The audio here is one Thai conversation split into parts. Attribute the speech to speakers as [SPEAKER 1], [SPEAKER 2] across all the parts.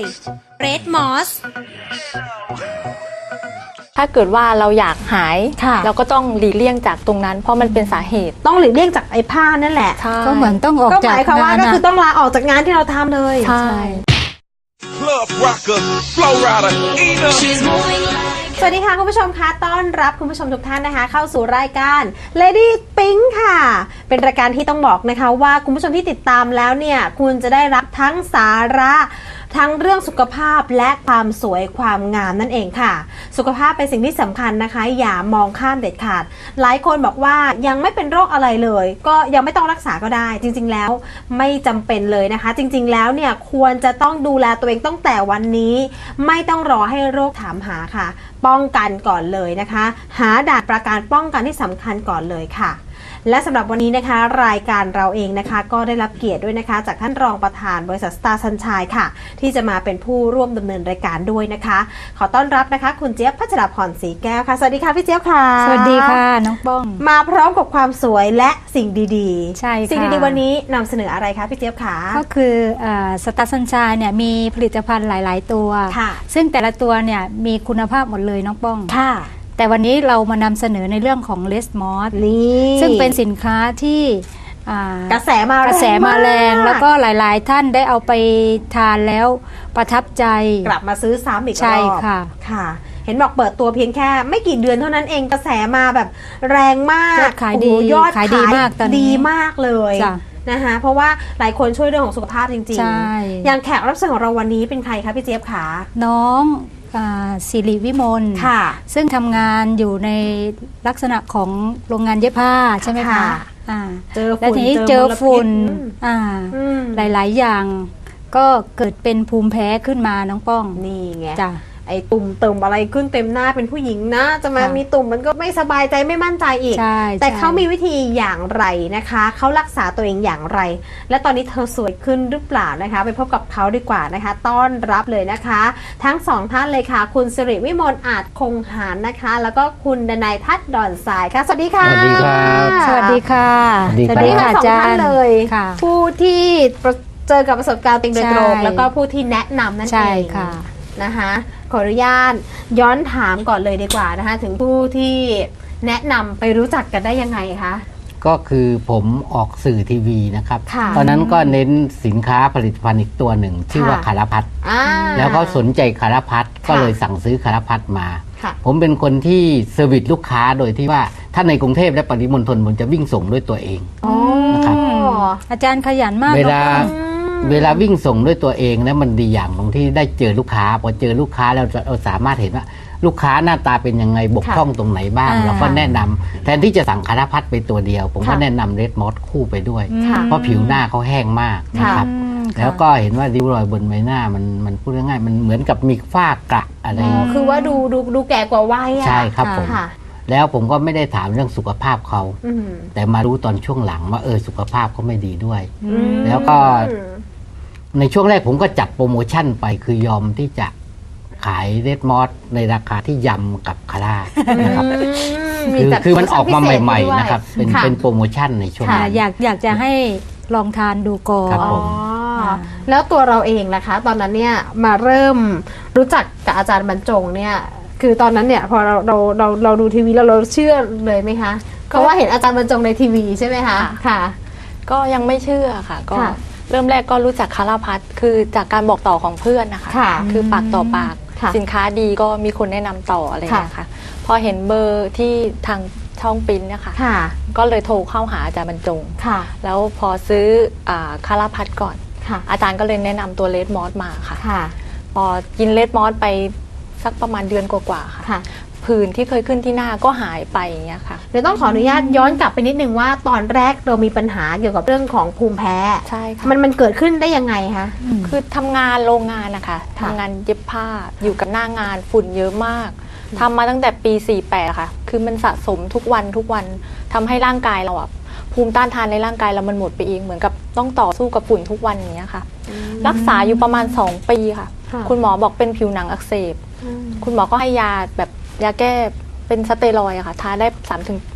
[SPEAKER 1] เรดมอส
[SPEAKER 2] ถ้าเกิดว่าเราอยากหายเราก็ต้องหลีกเลี่ยงจากตรงนั้นเพราะมันเป็นสาเหตุ
[SPEAKER 1] ต้องหลีกเลี่ยงจากไอ้ผ้านั่นแหละ
[SPEAKER 3] ก็เหมือนต้องออกจาก
[SPEAKER 1] งานก็หมายความว่าก็คือต้องลาออกจากงานที่เราทำเลย
[SPEAKER 2] ใช่
[SPEAKER 4] Club rocker, flow rider, Ina.
[SPEAKER 1] สวัสดีค่ะคุณผู้ชมคะต้อนรับคุณผู้ชมทุกท่านนะคะเข้าสู่รายการ Lady Pink ค่ะเป็นรายการที่ต้องบอกนะคะว่าคุณผู้ชมที่ติดตามแล้วเนี่ยคุณจะได้รับทั้งสาระทั้งเรื่องสุขภาพและความสวยความงามนั่นเองค่ะสุขภาพเป็นสิ่งที่สำคัญนะคะอย่ามองข้ามเด็ดขาดหลายคนบอกว่ายังไม่เป็นโรคอะไรเลยก็ยังไม่ต้องรักษาก็ได้จริงๆแล้วไม่จำเป็นเลยนะคะจริงๆแล้วเนี่ยควรจะต้องดูแลตัวเองตั้งแต่วันนี้ไม่ต้องรอให้โรคถามหาค่ะป้องกันก่อนเลยนะคะหาด่านประการป้องกันที่สำคัญก่อนเลยค่ะและสำหรับวันนี้นะคะรายการเราเองนะคะก็ได้รับเกียรติด้วยนะคะจากท่านรองประธานบริษัท Star Sunshine ค่ะที่จะมาเป็นผู้ร่วมดำเนินรายการด้วยนะคะขอต้อนรับนะคะคุณเจี๊ยบพัชรพรศรีแก้วค่ะสวัสดีค่ะพี่เจี๊ยบค่ะ
[SPEAKER 3] สวัสดีค่ะน้องป้อง
[SPEAKER 1] มาพร้อมกับความสวยและสิ่งดีๆ
[SPEAKER 3] ใช่ค่ะ
[SPEAKER 1] สิ่งดีๆวันนี้นำเสนออะไรคะพี่เจี๊ยบคะ
[SPEAKER 3] ก็คือStar Sunshine เนี่ยมีผลิตภัณฑ์หลายๆตัวซึ่งแต่ละตัวเนี่ยมีคุณภาพหมดเลยน้องป้อง
[SPEAKER 1] ค่ะ
[SPEAKER 3] แต่วันนี้เรามานำเสนอในเรื่องของเลสมอส
[SPEAKER 1] นี่
[SPEAKER 3] ซึ่งเป็นสินค้าที่
[SPEAKER 1] กระแสมา
[SPEAKER 3] แรงแล้วก็หลายๆท่านได้เอาไปทานแล้วประทับใจ
[SPEAKER 1] กลับมาซื้อซ้ำอีกรอบ
[SPEAKER 3] ใช่ค่ะ
[SPEAKER 1] ค่ะเห็นบอกเปิดตัวเพียงแค่ไม่กี่เดือนเท่านั้นเองกระแสมาแบบแรงมาก
[SPEAKER 3] ยอดขายดี
[SPEAKER 1] ยอดขาย
[SPEAKER 3] ดีมากตอนนี้
[SPEAKER 1] ดีมากเลยนะคะเพราะว่าหลายคนช่วยเรื่องของสุขภาพจริงๆอย่างแขกรับเชิญของเราวันนี้เป็นใครคะพี่เจี๊ยบคะ
[SPEAKER 3] น้องสิริวิมลซึ่งทำงานอยู่ในลักษณะของโรงงานเย็บผ้าใช่ไหมคะแล้วทีนี้เจอฝุ่นหลายๆอย่างก็เกิดเป็นภูมิแพ้ขึ้นมาน้องป้อง
[SPEAKER 1] นี่ไง
[SPEAKER 3] จ้ะ
[SPEAKER 1] ไอ้ตุ่มเติมอะไรขึ้นเต็มหน้าเป็นผู้หญิงนะจะมามีตุ่มมันก็ไม่สบายใจไม่มั่นใจอีกแต่เขามีวิธีอย่างไรนะคะเขารักษาตัวเองอย่างไรและตอนนี้เธอสวยขึ้นหรือเปล่านะคะไปพบกับเขาดีกว่านะคะต้อนรับเลยนะคะทั้งสองท่านเลยค่ะคุณสิริวิมลอาจคงหารนะคะแล้วก็คุณดนัยทัศน์ดอนสายค่ะสวัสดีค่ะ
[SPEAKER 5] สวัสดีครับ
[SPEAKER 3] สวัสดีค่ะ
[SPEAKER 1] สวัสดีค่ะสองท่านเลยผู้ที่เจอกับประสบการณ์โดยตรงแล้วก็ผู้ที่แนะนำนั่นเองนะคะขออนุญาตย้อนถามก่อนเลยดีกว่านะคะถึงผู้ที่แนะนำไปรู้จักกันได้ยังไงคะ
[SPEAKER 5] ก็คือผมออกสื่อทีวีนะครับตอนนั้นก็เน้นสินค้าผลิตภัณฑ์อีกตัวหนึ่งชื่อว่าคารพัดแล้วก็สนใจคารพัดก็เลยสั่งซื้อคารพัดมาผมเป็นคนที่เซอร์วิสลูกค้าโดยที่ว่าถ้าในกรุงเทพและปริมณฑลผมจะวิ่งส่งด้วยตัวเองนะครับ
[SPEAKER 3] อาจารย์ขยันมาก
[SPEAKER 5] เวลาวิ่งส่งด้วยตัวเองนะมันดีอย่างตรงที่ได้เจอลูกค้าพอเจอลูกค้าแล้วเราสามารถเห็นว่าลูกค้าหน้าตาเป็นยังไงบกพร่องตรงไหนบ้างเราก็แนะนำแทนที่จะสั่งคารพัดไปตัวเดียวผมก็แนะนำเรดมอสคู่ไปด้วยเพราะผิวหน้าเขาแห้งมากนะครับแล้วก็เห็นว่าริ้วรอยบนใบหน้ามันพูดง่ายๆมันเหมือนกับมีฝ้ากระอะไร
[SPEAKER 1] คือว่าดูแก่กว่าวัย
[SPEAKER 5] ใช่ครับผมแล้วผมก็ไม่ได้ถามเรื่องสุขภาพเขาแต่มารู้ตอนช่วงหลังว่าสุขภาพเขาไม่ดีด้วยแล้วก็ในช่วงแรกผมก็จัดโปรโมชั่นไปคือยอมที่จะขายเรดมอสในราคาที่ยำกับคาร่านะครับคือมันออกมาใหม่ๆนะครับเป็นโปรโมชั่นในช่วงนั้น
[SPEAKER 3] อยากจะให้ลองทานดูก่อน
[SPEAKER 1] แล้วตัวเราเองนะคะตอนนั้นเนี่ยมาเริ่มรู้จักกับอาจารย์บรรจงเนี่ยคือตอนนั้นเนี่ยพอเราดูทีวีแล้วเราเชื่อเลยไหมคะเพราะว่าเห็นอาจารย์บรรจงในทีวีใช่ไหมคะค่ะ
[SPEAKER 2] ก็ยังไม่เชื่อค่ะก็เริ่มแรกก็รู้จักคาราพัทคือจากการบอกต่อของเพื่อนนะคะคือปากต่อปากสินค้าดีก็มีคนแนะนำต่ออะไรอย่างเงี้ยค่ะพอเห็นเบอร์ที่ทางช่องปิ้นเนี่ยค่ะก็เลยโทรเข้าหาอาจารย์บรรจงแล้วพอซื้อคาราพัทก่อนอาจารย์ก็เลยแนะนำตัวเลดมอสมาค่ะพอกินเลดมอสไปสักประมาณเดือนกว่าๆค่ะผื่นที่เคยขึ้นที่หน้าก็หายไปอย่างเงี้ยค่ะ
[SPEAKER 1] เดี๋ยวต้องขออนุญาตย้อนกลับไปนิดนึงว่าตอนแรกเรามีปัญหาเกี่ยวกับเรื่องของภูมิแพ้
[SPEAKER 2] ใช่ค่ะ
[SPEAKER 1] มันเกิดขึ้นได้ยังไงคะ
[SPEAKER 2] คือทำงานโรงงานนะคะทำงานเย็บผ้าอยู่กับหน้างานฝุ่นเยอะมากทำมาตั้งแต่ปี48ค่ะคือมันสะสมทุกวันทำให้ร่างกายเราภูมิต้านทานในร่างกายเรามันหมดไปเองเหมือนกับต้องต่อสู้กับฝุ่นทุกวันอย่างเงี้ยค่ะรักษาอยู่ประมาณ2 ปีค่ะคุณหมอบอกเป็นผิวหนังอักเสบคุณหมอก็ให้ยาแบบยาแก้เป็นสเตียรอยด์ค่ะทาได้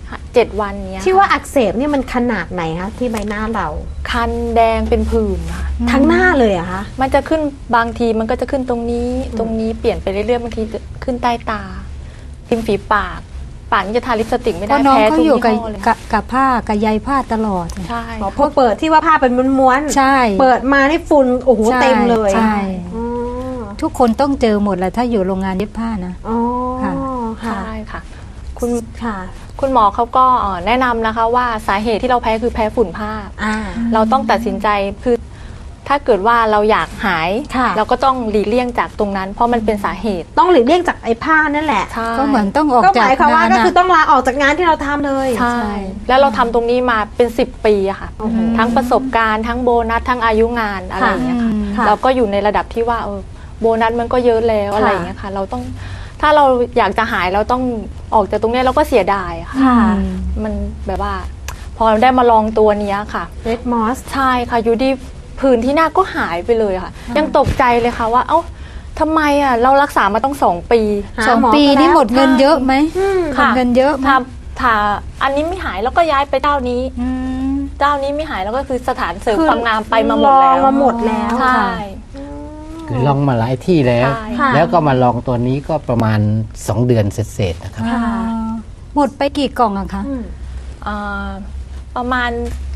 [SPEAKER 2] 7 วันเนี้ย
[SPEAKER 1] ที่ว่าอักเสบเนี่ยมันขนาดไหนคะที่ใบหน้าเรา
[SPEAKER 2] คันแดงเป็นผื่นค่ะ
[SPEAKER 1] ทั้งหน้าเลยเหรอะคะ
[SPEAKER 2] มันจะขึ้นบางทีมันก็จะขึ้นตรงนี้ตรงนี้เปลี่ยนไปเรื่อยๆบางทีจะขึ้นใต้ตาริมฝีปากนี่จะทาลิปสติกไม่
[SPEAKER 3] เพ
[SPEAKER 2] ได้
[SPEAKER 3] ราะน้อง
[SPEAKER 2] แพ้
[SPEAKER 3] เขา
[SPEAKER 2] ทุก
[SPEAKER 3] อยู่
[SPEAKER 2] ยี่
[SPEAKER 3] กับ
[SPEAKER 2] ห้อเลย
[SPEAKER 3] กับผ้ากับใยผ้าตลอด
[SPEAKER 2] ใช่
[SPEAKER 1] พอเปิดที่ว่าผ้าเป็นม้วนๆ
[SPEAKER 3] ใช่
[SPEAKER 1] เปิดมานี่ฝุ่นโอ้โห
[SPEAKER 3] ใช่
[SPEAKER 1] เต็มเลย
[SPEAKER 3] ใช่
[SPEAKER 1] อ๋อ
[SPEAKER 3] ทุกคนต้องเจอหมดแหละถ้าอยู่โรงงานเย็บผ้านะ
[SPEAKER 1] อ๋อ
[SPEAKER 3] ค่ะ
[SPEAKER 1] ค่ะ
[SPEAKER 2] ใช่ค่ะ คุณ
[SPEAKER 1] ค่ะ
[SPEAKER 2] คุณหมอเขาก็แนะนำนะคะว่าสาเหตุที่เราแพ้คือแพ้ฝุ่นผ้า
[SPEAKER 1] อ่า
[SPEAKER 2] เราต้องตัดสินใจคือถ้าเกิดว่าเราอยากหาย
[SPEAKER 1] ค่ะ
[SPEAKER 2] เราก็ต้องหลีกเลี่ยงจากตรงนั้น เพราะมันเป็นสาเหตุ
[SPEAKER 1] ต้องหลีกเลี่ยงจากไอ้ผ้านั่นแหละ
[SPEAKER 2] ใช่
[SPEAKER 3] ก็เหมือนต้องออก
[SPEAKER 1] ก็ห
[SPEAKER 3] จาก
[SPEAKER 1] มายความว่าก็
[SPEAKER 3] งน
[SPEAKER 1] คือต้องลาออกจากงานที่เราทำเลย
[SPEAKER 2] ใช่แล้วเราทำตรงนี้มาเป็น10 ปีอะค่ะ
[SPEAKER 1] โอ้โห
[SPEAKER 2] ทั้งประสบการณ์ทั้งโบนัสทั้งอายุงานอะไรอย่างเงี้ยค่ะ
[SPEAKER 1] ค่ะ
[SPEAKER 2] เราก็อยู่ในระดับที่ว่าโบนัสมันก็เยอะแล้วอะไรอย่างเงี้ยค่ะ เราต้องถ้าเราอยากจะหายเราต้องออกจากตรงเนี้ยเราก็เสียดายอะค่ะ
[SPEAKER 1] ค่ะ
[SPEAKER 2] มันแบบว่า พอได้มาลองตัวเนี้ยค่ะ
[SPEAKER 1] Red Moss
[SPEAKER 2] ใช่ค่ะอยู่ดีผื่นที่หน้าก็หายไปเลยค่ะ ยังตกใจเลยค่ะว่าเอ้าทำไมอ่ะเรารักษามาต้อง2 ปี
[SPEAKER 1] หา
[SPEAKER 3] สอง
[SPEAKER 1] หมอ
[SPEAKER 3] ปี
[SPEAKER 1] ก็แล้ว
[SPEAKER 3] นี่หมดเงินเยอะไหม หม
[SPEAKER 2] ค่ะ
[SPEAKER 3] ดเงินเยอะไหม
[SPEAKER 2] ถ้าอันนี้ไม่หายแล้วก็ย้ายไปเจ้านี้
[SPEAKER 3] อืม
[SPEAKER 2] เจ้านี้ไม่หายแล้วก็คือสถานเสริม
[SPEAKER 1] คือ
[SPEAKER 2] ความงามไปมาหมดแล้ว
[SPEAKER 1] ลองมาหมดแล้ว
[SPEAKER 2] ใช่
[SPEAKER 5] คือลองมาหลายที่แล้ว
[SPEAKER 2] ใช่
[SPEAKER 1] ค่ะ
[SPEAKER 5] แล้วก็มาลองตัวนี้ก็ประมาณ 2 เดือนเสร็จๆนะครับ
[SPEAKER 1] ค่ะ
[SPEAKER 3] หมดไปกี่กล่องอะคะ
[SPEAKER 1] อืม
[SPEAKER 2] อ่าประมาณ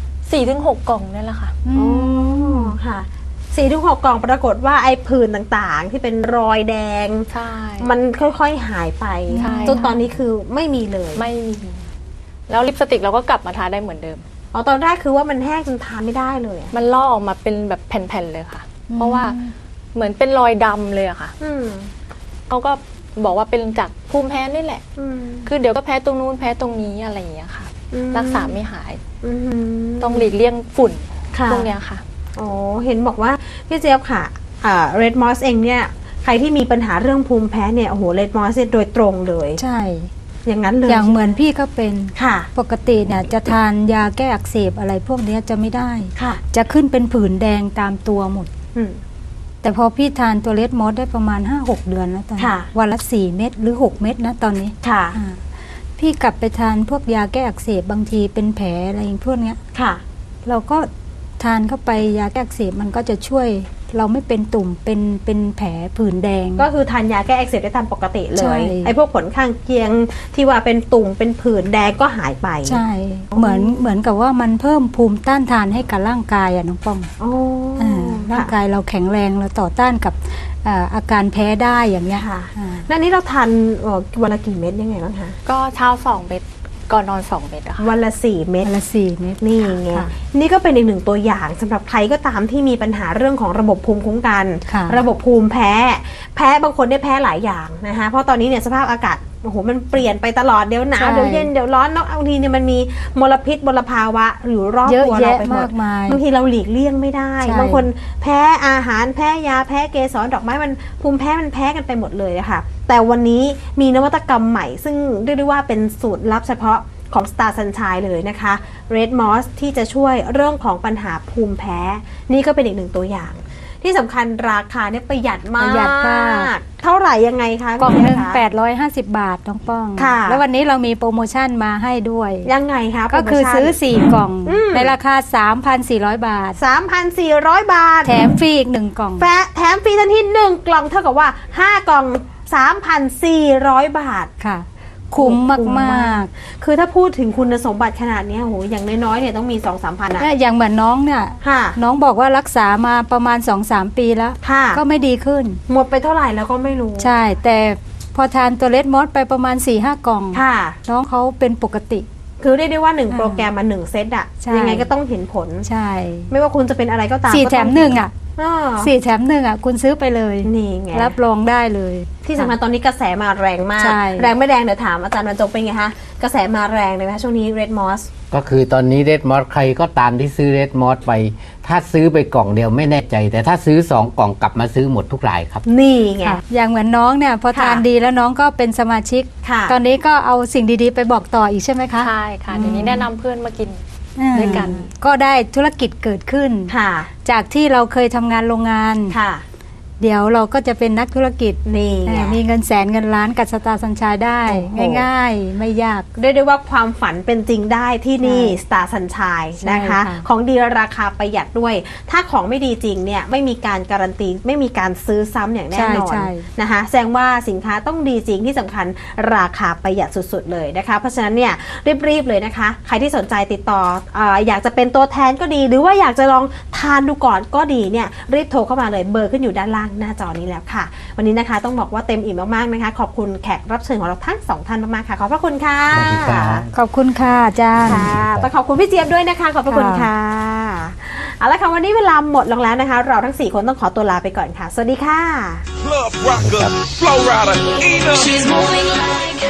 [SPEAKER 2] 4-6 กล่องนี่แหละค่ะ
[SPEAKER 1] อ๋อค่ะ4-6 กล่องปรากฏว่าไอ้ผื่นต่างๆ ที่เป็นรอยแดง
[SPEAKER 2] ใช่
[SPEAKER 1] มันค่อยๆหายไป
[SPEAKER 2] ใช่
[SPEAKER 1] จนตอนนี้คือไม่มีเลย
[SPEAKER 2] ไม่มีแล้วลิปสติกเราก็กลับมาทาได้เหมือนเดิม
[SPEAKER 1] อ๋อตอนแรกคือว่ามันแห้งจนทานไม่ได้เลยอะ
[SPEAKER 2] มันลอกออกมาเป็นแบบแผ่นๆเลยค่ะ เพราะว่าเหมือนเป็นรอยดำเลยอะค่ะ
[SPEAKER 1] อืม
[SPEAKER 2] เขาก็บอกว่าเป็นจากภูมิแพ้นี่แหละ
[SPEAKER 1] อืม
[SPEAKER 2] คือเดี๋ยวก็แพ้ตรงนู้นแพ้ตรงนี้อะไรอย่างเงี้ยค่ะ
[SPEAKER 1] อืม
[SPEAKER 2] รักษาไม่หาย
[SPEAKER 1] อืม
[SPEAKER 2] ต้องหลีกเลี่ยงฝุ่น
[SPEAKER 1] ค่ะ
[SPEAKER 2] พวกเนี้ยค่ะ
[SPEAKER 1] อ๋อเห็นบอกว่าพี่เจี๊ยบค่ะRed Moss เองเนี่ยใครที่มีปัญหาเรื่องภูมิแพ้เนี่ยโอ้โห Red Moss เนี่ยโดยตรงเลย
[SPEAKER 3] ใช่
[SPEAKER 1] อย่างนั้นเลย
[SPEAKER 3] อย่างเหมือนพี่ก็เป็น
[SPEAKER 1] ค่ะ
[SPEAKER 3] ปกติเนี่ยจะทานยาแก้อักเสบอะไรพวกเนี้ยจะไม่ได้
[SPEAKER 1] ค่ะ
[SPEAKER 3] จะขึ้นเป็นผื่นแดงตามตัวหมด
[SPEAKER 1] อืม
[SPEAKER 3] แต่พอพี่ทานตัวเลดมอสได้ประมาณ 5-6 เดือนแล้วตอนนี้
[SPEAKER 1] ค่ะ
[SPEAKER 3] วันละ4 เม็ดหรือ 6 เม็ดนะตอนนี้
[SPEAKER 1] ค่ะ
[SPEAKER 3] อ่าพี่กลับไปทานพวกยาแก้อักเสบบางทีเป็นแผลอะไรอย่างพวกเนี้ย
[SPEAKER 1] ค่ะ
[SPEAKER 3] เราก็ทานเข้าไปยาแก้อักเสบมันก็จะช่วยเราไม่เป็นตุ่มเป็นแผลผื่นแดง
[SPEAKER 1] ก็คือทานยาแก้อักเสบได้ตามปกติเล
[SPEAKER 3] ใช่
[SPEAKER 1] ยไอ้พวกผลข้างเคียงที่ว่าเป็นตุ่มเป็นผื่นแดงก็หายไป
[SPEAKER 3] ใช่ เหมือนกับว่ามันเพิ่มภูมิต้านทานให้กับร่างกายอะน้องป้อง
[SPEAKER 1] โอ้
[SPEAKER 3] ร่างกายเราแข็งแรงเราต่อต้านกับอาการแพ้ได้อย่างเงี้ย
[SPEAKER 1] ค่ะ
[SPEAKER 3] อ่า
[SPEAKER 1] แล้วนี้เราทานวันละกี่เม็ดยังไงบ้างคะ
[SPEAKER 2] ก็เช้า2 เม็ดก่อนนอน 2 เม็ดอะค่ะ
[SPEAKER 1] วันละ4 เม็ด
[SPEAKER 3] วันละ4 เม็ด
[SPEAKER 1] นี่ไง
[SPEAKER 3] ค่ะ
[SPEAKER 1] นี่ก็เป็นอีกหนึ่งตัวอย่างสำหรับใครก็ตามที่มีปัญหาเรื่องของระบบภูมิคุ้มกัน
[SPEAKER 3] ค่ะ
[SPEAKER 1] ระบบภูมิแพ้ บางคนได้แพ้หลายอย่างนะคะเพราะตอนนี้เนี่ยสภาพอากาศโอ้โหมันเปลี่ยนไปตลอดเดี๋ยวหนาวเดี๋ยวเย็นเดี๋ยวร้อนแล้วบางทีเนี่ยมันมีมลพิษมลภาวะอยู่รอบ
[SPEAKER 3] เยอะ
[SPEAKER 1] ตัวเรา
[SPEAKER 3] แยะ
[SPEAKER 1] ไปหม
[SPEAKER 3] มา
[SPEAKER 1] ด
[SPEAKER 3] กมาย
[SPEAKER 1] บางทีเราหลีกเลี่ยงไม่ได้
[SPEAKER 3] ใช่
[SPEAKER 1] บางคนแพ้อาหารแพ้ยาแพ้เกสรดอกไม้มันภูมิแพ้มันแพ้กันไปหมดเลยนะคะแต่วันนี้มีนวัตกรรมใหม่ ซึ่งเรียกได้ว่าเป็นสูตรลับเฉพาะของ Star Sunshine เลยนะคะ Red Moss ที่จะช่วยเรื่องของปัญหาภูมิแพ้ นี่ก็เป็นอีกหนึ่งตัวอย่าง ที่สำคัญราคาเนี่ยประหยัดมาก
[SPEAKER 3] ประหยัดมาก
[SPEAKER 1] เท่าไหร่ยังไงคะ
[SPEAKER 3] กล่องหนึ่ง
[SPEAKER 1] คุณแม่คะ
[SPEAKER 3] 850 บาทน้องป้อง
[SPEAKER 1] ค่ะ
[SPEAKER 3] แล้ววันนี้เรามีโปรโมชั่นมาให้ด้วย
[SPEAKER 1] ยังไงคะ
[SPEAKER 3] ก็คือซื้อ 4 กล่อง
[SPEAKER 1] อืม
[SPEAKER 3] ในราคา 3,400 บาท
[SPEAKER 1] 3,400 บาท
[SPEAKER 3] แถมฟรีอีก 1 กล่อง
[SPEAKER 1] แถมฟรีทันที1 กล่องเท่ากับว่า 5 กล่อง 3,400 บาท
[SPEAKER 3] ค่ะ คุ้มมาก
[SPEAKER 1] คือถ้าพูดถึงคุณสมบัติขนาดเนี้ยโหอย่างน้อยๆเนี่ยต้องมี 2-3 พัน
[SPEAKER 3] ๆ
[SPEAKER 1] อะ
[SPEAKER 3] เนี่ยอย่างเหมือนน้องเนี่ย
[SPEAKER 1] ค่ะ
[SPEAKER 3] น้องบอกว่ารักษามาประมาณ 2-3 ปีแล้ว
[SPEAKER 1] ค่ะ
[SPEAKER 3] ก็ไม่ดีขึ้น
[SPEAKER 1] หมดไปเท่าไหร่แล้วก็ไม่รู้
[SPEAKER 3] ใช่ แต่พอทานตัวเลดมอสไปประมาณ 4-5 กล่อง
[SPEAKER 1] ค่ะ
[SPEAKER 3] น้องเขาเป็นปกติ
[SPEAKER 1] คือเรียกได้ว่า 1 โปรแกรมมา1 เซตอะ
[SPEAKER 3] ใช่
[SPEAKER 1] ยังไงก็ต้องเห็นผล
[SPEAKER 3] ใช่
[SPEAKER 1] ไม่ว่าคุณจะเป็นอะไรก็ตาม
[SPEAKER 3] 4
[SPEAKER 1] ก็
[SPEAKER 3] แถ
[SPEAKER 1] ต้อง
[SPEAKER 3] ม 1 อ่ะ
[SPEAKER 1] อ่า
[SPEAKER 3] 4 แถม 1 อ่ะ คุณซื้อไปเลย
[SPEAKER 1] นี่ไง
[SPEAKER 3] รับรองได้เลย
[SPEAKER 1] ที่สำคัญตอนนี้กระแสมาแรงมาก
[SPEAKER 3] ใช่
[SPEAKER 1] แรงไม่แรงเดี๋ยวถามอาจารย์บรรจงเป็นไงคะกระแสมาแรงเลยไหมคะช่วงนี้ Red Moss
[SPEAKER 5] ก็คือตอนนี้เรดมอสใครก็ตามที่ซื้อเรดมอสไป ถ้าซื้อไปกล่องเดียวไม่แน่ใจ แต่ถ้าซื้อ 2 กล่องกลับมาซื้อหมดทุกรายครับ
[SPEAKER 1] นี่ไง
[SPEAKER 3] ค่ะอย่างเหมือนน้องเนี่ยพอ
[SPEAKER 1] ค่ะ
[SPEAKER 3] ทานดีแล้วน้องก็เป็นสมาชิก
[SPEAKER 1] ค่ะ
[SPEAKER 3] ตอนนี้ก็เอาสิ่งดีๆ ไปบอกต่ออีกใช่ไหมคะ
[SPEAKER 2] ใช่ค่ะเดี๋ยวนี้แนะนำเพื่อนมากิน
[SPEAKER 3] อืม
[SPEAKER 2] ด้วยกัน
[SPEAKER 3] ก็ได้ธุรกิจเกิดขึ้น
[SPEAKER 1] ค่ะ
[SPEAKER 3] จากที่เราเคยทำงานโรงงาน
[SPEAKER 1] ค่ะ
[SPEAKER 3] เดี๋ยวเราก็จะเป็นนักธุรกิจ
[SPEAKER 1] นี่ไง
[SPEAKER 3] มีเงินแสนเงินล้านกับสตาร์สัญชัยได้
[SPEAKER 1] โอ้โห
[SPEAKER 3] ง่ายๆ ไม่ยาก
[SPEAKER 1] เรียกได้ว่าความฝันเป็นจริงได้ที่นี่สตาร์สัญชัยนะคะ
[SPEAKER 3] ใช่ค่ะ
[SPEAKER 1] ของดีราคาประหยัดด้วย ถ้าของไม่ดีจริงเนี่ยไม่มีการการันตีไม่มีการซื้อซ้ำอย่างแน่นอน
[SPEAKER 3] ใช่
[SPEAKER 1] นะคะแสดงว่าสินค้าต้องดีจริงที่สำคัญราคาประหยัดสุดๆเลยนะคะเพราะฉะนั้นเนี่ยรีบๆเลยนะคะใครที่สนใจติดต่ออยากจะเป็นตัวแทนก็ดี หรือว่าอยากจะลองทานดูก่อนก็ดีเนี่ยรีบโทรเข้ามาเลยเบอร์ขึ้นอยู่ด้านล่างหน้าจอนี้แล้วค่ะ วันนี้นะคะต้องบอกว่าเต็มอิ่มมากๆนะคะขอบคุณแขกรับเชิญของเราทั้งสองท่านมากๆค่ะขอบพระคุณค่ะ
[SPEAKER 5] สวัสดีครับ
[SPEAKER 3] ขอบคุณค่ะอาจารย์
[SPEAKER 1] ค่ะต้องขอบคุณพี่เจี๊ยบด้วยนะคะขอบพระคุณค่ะเอาละค่ะวันนี้เวลาหมดลงแล้วนะคะ เราทั้ง4คนต้องขอตัวลาไปก่อนค่ะสวัสดีค่ะ
[SPEAKER 4] Club rocker, flow rider, Ena.
[SPEAKER 6] She's moving like